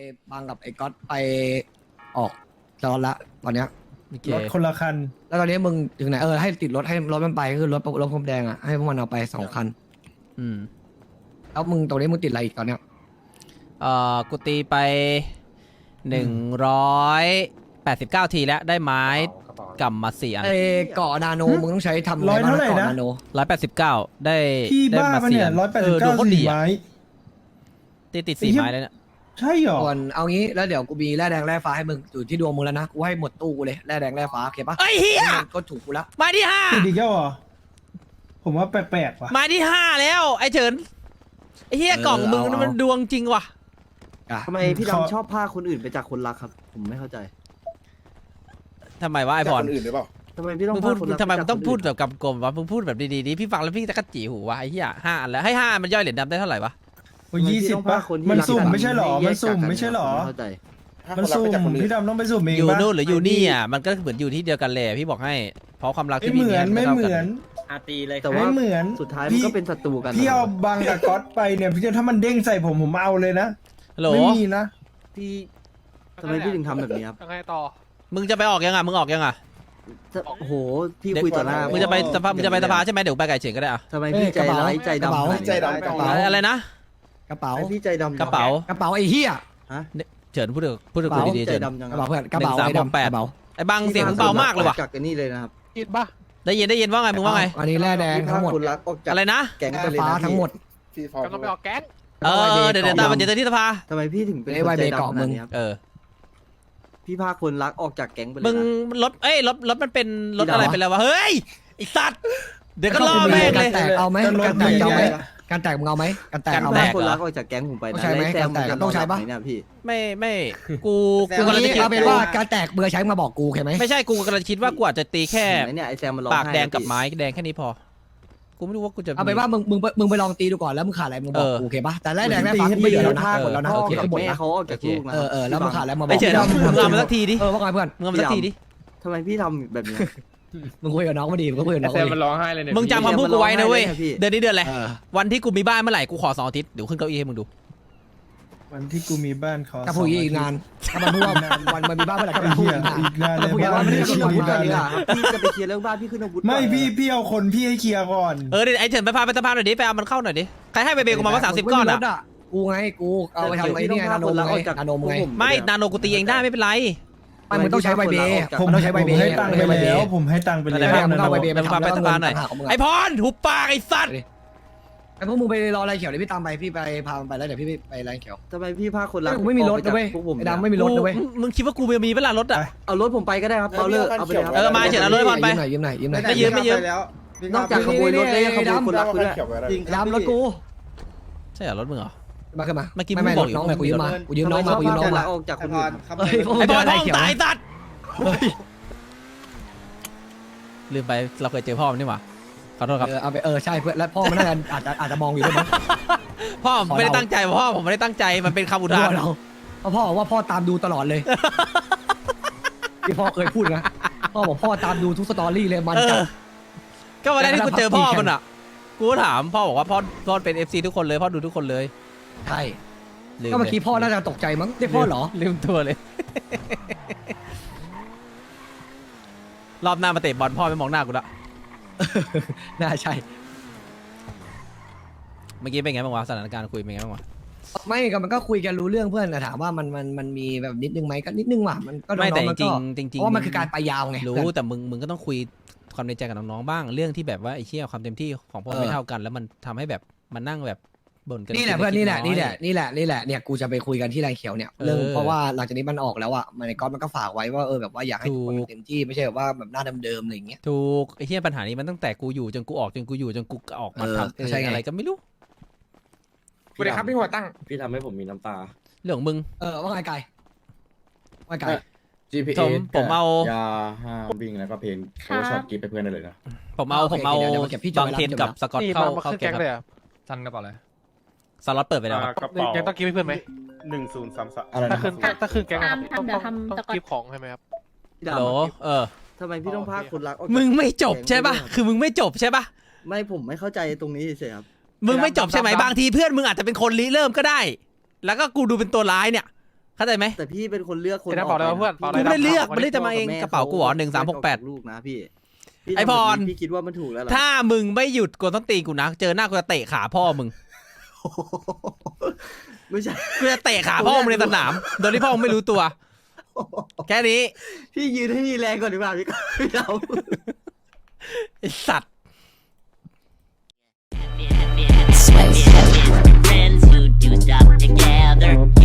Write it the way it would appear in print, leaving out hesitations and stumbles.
บางกับไอ้ก๊อตไปออกจอดละตอนเนี้ยรถคนละคันแล้วตอนนี้มึงถึงไหนให้ติดรถให้รถมันไปคือรถพรมแดงอ่ะให้พวกมันเอาไป2 คัน แล้วมึงตรงนี้มึงติดอะไรอีกตอนเนี้ยกูตีไป189 ทีแล้วได้ไม้กำมา4 อันเกาะนาโนมึงต้องใช้ทำร้อยเท่าไหร่นะ 189ได้พี่บ้ามาปะ 4 เนี่ยอัน 189 4 ไม้ติด4 ไม้แล้วเนี่ยใช่หรอส่วนเอางี้แล้วเดี๋ยวกูมีแร่แดงแร่ฟ้าให้มึงอยู่ที่ดวงมึงแล้วนะกูให้หมดตู้กูเลยแร่แดงแร่ฟ้าโอเคปะไอ้เหี้ยก็ถูกกูแล้วไม้ที่ติดอีกแล้วเหรอ ผมว่าแปลกๆว่ะ 5ไม้ที่ 5แล้วไอ้เฉินไอ้เหี้ยกล่องมึงมันดวงจริงว่ะทำไมพี่ดำชอบพาคนอื่นไปจากคนรักครับ ผมไม่เข้าใจทำไมวะไอ้พรคนอื่นหรือเปล่าทำไมพี่ต้องมึงพูพาดคนรักทำไมมึงต้องพูดไปแบจากบกำกลมวะมึงพูดแบบดีๆดิพี่ฟังแล้วพี่จะกระจีหูวะไอ้เหี้ย5 อันแล้วให้5มันย่อยเหรียญดำได้เท่าไหร่วะโอ้ย20 ป่ะ มันสุ่มไม่ใช่หรอ มันสุ่มไม่ใช่หรอไม่เข้าใจมันสุ่มพี่ดำต้องไปสุ่มเองอยู่ป่ะนู่นหรืออยู่นี่อ่ะมันก็เหมือนอยู่ที่เดียวกันเลยพี่บอกให้เพราะความรักไม่ที่เหมือนท่าไม่เหมือนอาตีเลยแต่ว่าไม่เหมือนสุดท้ายมันก็เป็นศัตรูกันพี่เอาบังกับก๊อตไปเนี่ยพี่ถ้ามันเด้งใส่ผมเอาเลยนะฮัลโหลไม่มีนะพี่ทำไมพี่ถึงทำแบบนี้ครับยังไงต่อมึงจะไปออกยังอ่ะมึงออกยังอ่ะโอ้โหพี่คุยต่อหน้ามึงจะไปสภามึงจะไปสภาใช่ไหมเดี๋ยวไปไก่เฉียงก็ได้อ่ะทำไมพี่ใจร้ายใจดำขนานี้ใจดำกระเป๋าอะไรนะกระเป๋าทำไมพี่ใจดำกระเป๋ากระเป๋าไอ้เหี้ยเฉินพูดกับกูดีๆใจเฉินดำจังกระเป๋าเพื่อนกระเป๋าไอ้ดำกระเป๋าไอ้บังเสียงมึงเบามากเลยว่ะจากกันนี่เลยนะครับกินปะได้ยินว่าไงมึงว่าไงอันนี้แร่แดงทั้งหมดคนรักออกจากอะไรนะแก๊งแร่ไปเลยฟ้านะทั้งหมดที่ฟอร์กำลังไปออกแก๊งเดี๋ยวตามมาเจอที่สภาทำไมพี่ถึงเป็นไอ้คนไวใจเบเกาะดำขมึนาดงนี้ครับ พี่พาคนรักออกจากแก๊งไปเลยมึงนะรถมันเป็นรถอะไรเป็นอะไรวะเฮ้ยไอ้สัตว์เดี๋ยวก็ล่อแม่งเลยการแตกเอาไหมจะลดการแตกเอาไหมดีการแตกมึงเอาไหมการแตกการเอาแตไหมกคนรักออกจากแก๊งผมไปต้อนะงใช้ไหมแล้วแซการแตกจะต้องใช้ปะนนไหนเนี่ยพี่ไม่กูกูกำลังจะคิดเอาเป็นว่าการแตกเบอร์ใช้มาบอกกูโอเคไหมไม่ใช่กูกำลังคิดว่ากูอาจจะตีแค่เห็นไหมเนี่ยไอแซมมันร้องปากไห้แดงกับพี่ไม้แดงแค่นี้พอกูไม่รู้ว่ากูจะเอาเป็นว่ามึงไปลองตีดูก่อนแล้วมึงขาดอะไรมึงบอกกูโอเคปะแต่แรกแดงแรกฟ้ากูไม่เหลือแล้วนะหมดแล้วนะพ่อโอเคกับหมดแม่นะเขาออกจากลูกนะแล้วมึงขาดอะไรมาบอไอ้กเฉินมึงเอามาสักทีดิว่าไงเพื่อนมึงเอามาสักทีดิทำไมพี่ทำแบบนี้มึงคุยกับน้องมาดีมึงก็คุยกับน้องแซมมันร้องไห้เลยเนี่ยมึงจำคำพูดกูไว้นะเว้ยพี่เดือนนี้เดือนอะไรวันที่กูมีบ้านเมื่อไหร่กูขอ2 อาทิตย์เดี๋ยวขึ้นเก้าอี้ให้มึงดูวันที่กูมีบ้านขอถ้าพูดอีกนานถ้ามันพูดว่าวันมันมีบ้านเมื่อไหร่ก็มันพูดอีกนานเลยพูดว่าไม่ได้ชวนพูดกันเลยอ่ะพี่จะไปเคลียร์เรื่องบ้านพี่ขึ้นอาวุธไม่ก่อนพี่เอาคนพี่ให้เคลียร์ก่อนเดี๋ยวไอ้เฉินไปพาไปสภาหน่อยดิไปเอามันเข้าหน่อยดิใครให้ไปเบลกูมาว่า30 ก้อนอ่ะกูไงกูเอาไปทำไอ้นี่ไงนาโนไงนาโนไงไม่นาโนกูตีเองได้ไม่เป็นไรไม่มึงต้องใช้ใบเบผมต้องใช้ใบเบให้ตังค์ไปแล้วผมให้ตังค์ไปอะไรแล้วมึงเอาใบเบไปพาไปสภาหน่อยไอ้พรหุบปากไอ้สัตว์ไอ้พวกมึงไปรออะไรเขียวเดี๋ยวพี่ตามไปพี่ไปพามันไปแล้วเดี๋ยวพี่ไปอะไรเขียวทำไมพี่พาคนรักกูไม่มีรถนะเว้ยพวกผมไอ้ดำไม่มีรถนะเว้ยมึงคิดว่ากูมีเวลารถอ่ะเอารถผมไปก็ได้ครับเอาเลยเอาไปเลยครับมาเฉินเอารถให้บอลไปยืมหน่อยยืมหน่อยไม่ยืมไม่ยืมนอกจากขโมยรถแล้วยังขโมยคนรักด้วยจริงดำรถกูใช่เหรอรถมึงเหรอมาขึ้นมาเมื่อกี้ไม่มึงบอกอยู่น้องเลยกูยืมมากูยืมน้องมากูยืมน้องมาออกจากคนอื่นเฮ้ยไอ้บอลอะไรท้องเขียวตายสัตว์ลืมไปเราเคยเจอพ่อมันนี่หว่าขอโทษครับเอาไปใช่เพื่อนแล้วพ่อมันน่าจะอาจจะมองอยู่ด้วยมั้งพ่อผมไม่ได้ตั้งใจพ่อผมไม่ได้ตั้งใจมันเป็นคำอุทานเราเพราะพ่อบอกว่าพ่อตามดูตลอดเลยที่พ่อเคยพูดนะพ่อบอกพ่อตามดูทุกสตอรี่เลยมันจัดก็วันแรกที่กูเจอพ่อมันอ่ะกูถามพ่อบอกว่าพ่อเป็น FC ทุกคนเลยพ่อดูทุกคนเลยใช่ลืมก็เมื่อกี้พ่อน่าจะตกใจมั้งเรียกพ่อเหรอลืมตัวเลย รอบหน้ามาเตะบอลพ่อไม่มองหน้ากูละน่าใช่เมื่อกี้เป็นไงบ้างวะสถานการณ์คุยเป็นไงบ้างวะไม่ก็มันก็คุยกันรู้เรื่องเพื่อนแต่ถามว่ามันมีแบบนิดนึงไหมก็นิดนึงว่ะมันก็น้ไม่แต่องๆมันจริก็งๆจริงเพราะว่ามันคือการไปยาวไงรู้แต่มึงก็ต้องคุยความในใจกับน้องๆบ้างเรื่องที่แบบว่าไอ้เชี่ยความเต็มที่ของพวกไม่เท่ากัน แล้วมันทำให้แบบมันนั่งแบบบ่นกันนี่แหละเพื่อนนี่แหละเนี่ยกูจะไปคุยกันที่แรงเขียวเนี่ยเรื่องเพราะว่าหลังจากนี้มันออกแล้วอ่ะมันในก๊อตมันก็ฝากไว้ว่าแบบว่าอยากให้ทุกคนเต็มที่ไม่ใช่แบบว่าแบบหน้าเดิมๆอะไรอย่างเงี้ยถูกไอ้เชี่ยปัญหานี้มันตั้งแต่กูอยู่จนกูออกจนกูอยู่จนกูออกมาทำใช่ไงอะไรก็ไม่รู้สวัสดีครับพี่หัวตั้งพี่ทำให้ผมมีน้ำตาเรื่องของมึงว่าไงไก่ว่าไงไก่ GPA ผมเอายาห้ามวิ่งแล้วก็เพลงโอช็อตกีไปเพื่อนได้เลยนะผมเอาบางเทนกับสกอตนี่เข้ามาขึ้นแก๊แก๊งงครับเลยอ่ะซันกระเป๋าเลยสล็อตเปิดไปแล้วครับกระเป๋ายังต้องกิฟให้เพื่อนไหม 1033 อะไรถ้านะขึ้นถ้าขึ้นแก๊งนะครับทำเดี๋ยวทำต้องกิฟของใช่ไหมครับพี่โหลดำเออทำไมพี่ต้องพาคนรักออกจากมึงไม่จบใช่ป่ะคือมึงไม่จบใช่ป่ะไม่ผมไม่เข้าใจตรงนี้เฉยๆครับมึงไม่จบใช่ไหมบางทีเพื่อนมึงอาจจะเป็นคนริเริ่มก็ได้ แล้วก็กูดูเป็นตัวร้ายเนี่ยเข้าใจไหมแต่พี่เป็นคนเลือกคนเดี๋ยวนะบอกเลยว่าเพื่อนกบอกกูเลยไม่ได้เลือกวันนี้ไม่ได้จะมาเองกระเป๋ากูเหรอ1368 ลูกนะพี่ไอ้พรพี่คิดว่ามันถูกแล้วเหรอถ้ามึงไม่หยุดกวนต้นตีนกูนะเจอหน้ากูจะเตะขาพ่อมึงไม่ใช่กูจะเตะขาพ่อมึงในสนามโดยที่พ่อมึงไม่รู้ตัว แค่นี้พี่ยืนให้มีแรงก่อนดีกว่าพี่ก็ไม่เอาไอ้สัตว์ Friends who do stuff together.